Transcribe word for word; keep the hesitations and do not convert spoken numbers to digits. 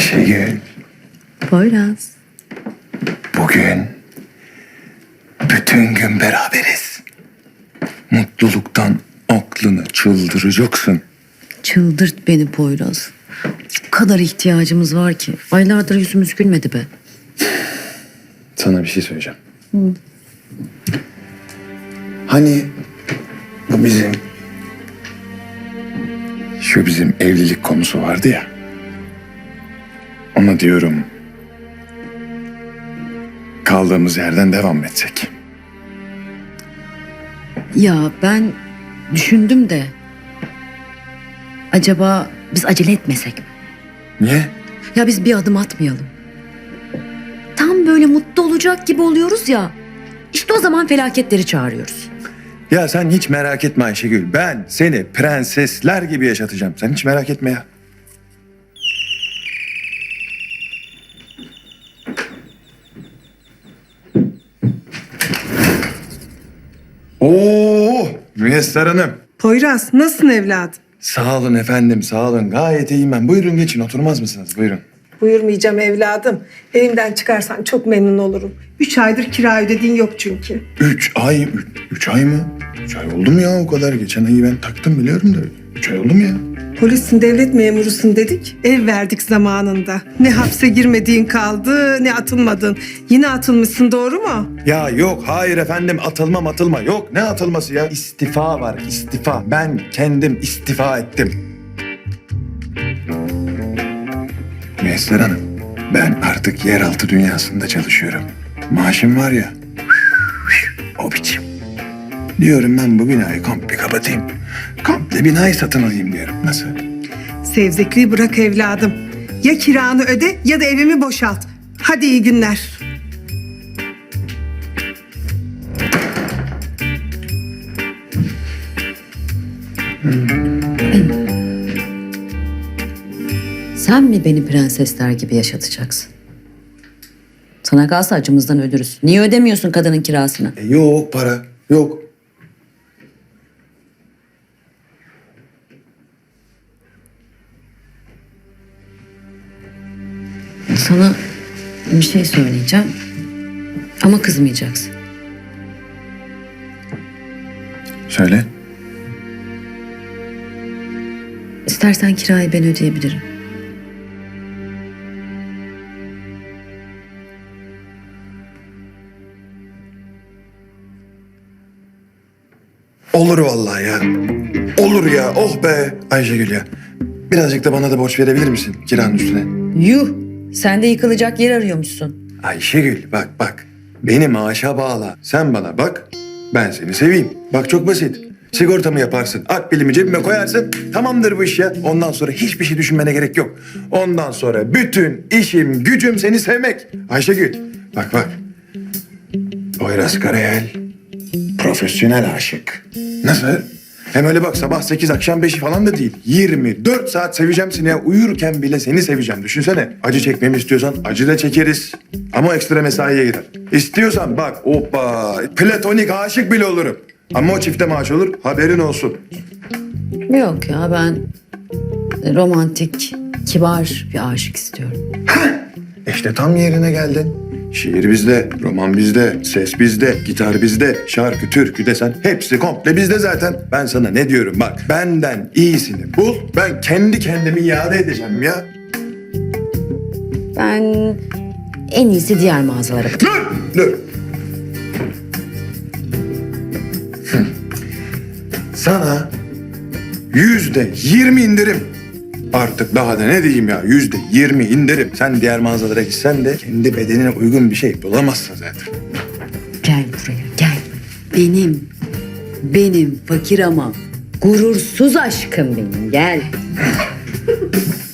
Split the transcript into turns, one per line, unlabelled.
Ayşegül,
Poyraz.
bugün bütün gün beraberiz. Mutluluktan aklını çıldıracaksın.
Çıldırt beni Poyraz. O kadar ihtiyacımız var ki. Aylardır yüzümüz gülmedi be.
Sana bir şey söyleyeceğim. Hani bu bizim... Şu bizim evlilik konusu vardı ya. Ona diyorum... Kaldığımız yerden devam etsek.
Ya ben düşündüm de... Acaba biz acele etmesek mi?
Niye?
Ya biz bir adım atmayalım. Tam böyle mutlu olacak gibi oluyoruz ya. İşte o zaman felaketleri çağırıyoruz.
Ya sen hiç merak etme Ayşegül. Ben seni prensesler gibi yaşatacağım. Sen hiç merak etme ya. Oo, Müyesser Hanım.
Poyraz, nasılsın evladım?
Sağ olun efendim, sağ olun. Gayet iyiyim ben. Buyurun geçin, oturmaz mısınız? Buyurun.
Buyurmayacağım evladım. Evimden çıkarsan çok memnun olurum. Üç aydır kira ödediğin yok çünkü.
Üç ay, üç, üç ay mı? Üç ay oldu mu ya o kadar? Geçen ayı ben taktım biliyorum da. Üç ay oldu mu ya?
Polissin, devlet memurusun dedik. Ev verdik zamanında. Ne hapse girmediğin kaldı, ne atılmadın. Yine atılmışsın, doğru mu?
Ya yok, hayır efendim. Atılma atılma. Yok, ne atılması ya? İstifa var, istifa. Ben kendim istifa ettim. Müyesser Hanım, ben artık yeraltı dünyasında çalışıyorum. Maaşım var ya, o biçim. Diyorum ben bu binayı komple kapatayım. Komple binayı satın alayım diyorum. Nasıl?
Sevzekliği bırak evladım. Ya kiranı öde ya da evimi boşalt. Hadi iyi günler.
Sen mi beni prensesler gibi yaşatacaksın? Sana kalsa acımızdan ölürüz. Niye ödemiyorsun kadının kirasını?
E, yok para, yok.
Sana bir şey söyleyeceğim. Ama kızmayacaksın.
Söyle.
İstersen kirayı ben ödeyebilirim.
Olur vallahi ya. Olur ya, oh be Ayşegül ya. Birazcık da bana da borç verebilir misin kiranın üstüne?
Yuh! Sen de yıkılacak yer arıyormuşsun.
Ayşegül bak bak. Beni maaşa bağla. Sen bana bak. Ben seni seveyim. Bak çok basit. Sigortamı yaparsın. Akbilimi cebime koyarsın. Tamamdır bu iş ya. Ondan sonra hiçbir şey düşünmene gerek yok. Ondan sonra bütün işim, gücüm seni sevmek. Ayşegül bak bak. Poyraz Karayel profesyonel aşık. Nasıl? Hem öyle bak sabah sekiz akşam beşi falan da değil. yirmi dört saat seveceğim seni ya. Uyurken bile seni seveceğim. Düşünsene. Acı çekmemi istiyorsan acı da çekeriz. Ama ekstra mesaiye gider. İstiyorsan bak hoppa platonik aşık bile olurum. Ama o çifte maaş olur haberin olsun.
Yok ya ben romantik, kibar bir aşık istiyorum.
İşte tam yerine geldin. Şiir bizde, roman bizde, ses bizde, gitar bizde, şarkı, türkü desen hepsi komple bizde zaten. Ben sana ne diyorum bak, benden iyisini bul, ben kendi kendimi iade edeceğim ya.
Ben en iyisi diğer mağazalara bakayım.
Dur, dur. Hı. Sana yüzde yirmi indirim. Artık daha da ne diyeyim ya, yüzde yirmi indirim. Sen diğer mağazalara gitsen de kendi bedenine uygun bir şey bulamazsın zaten.
Gel buraya gel. Benim, benim fakir ama gurursuz aşkım benim gel.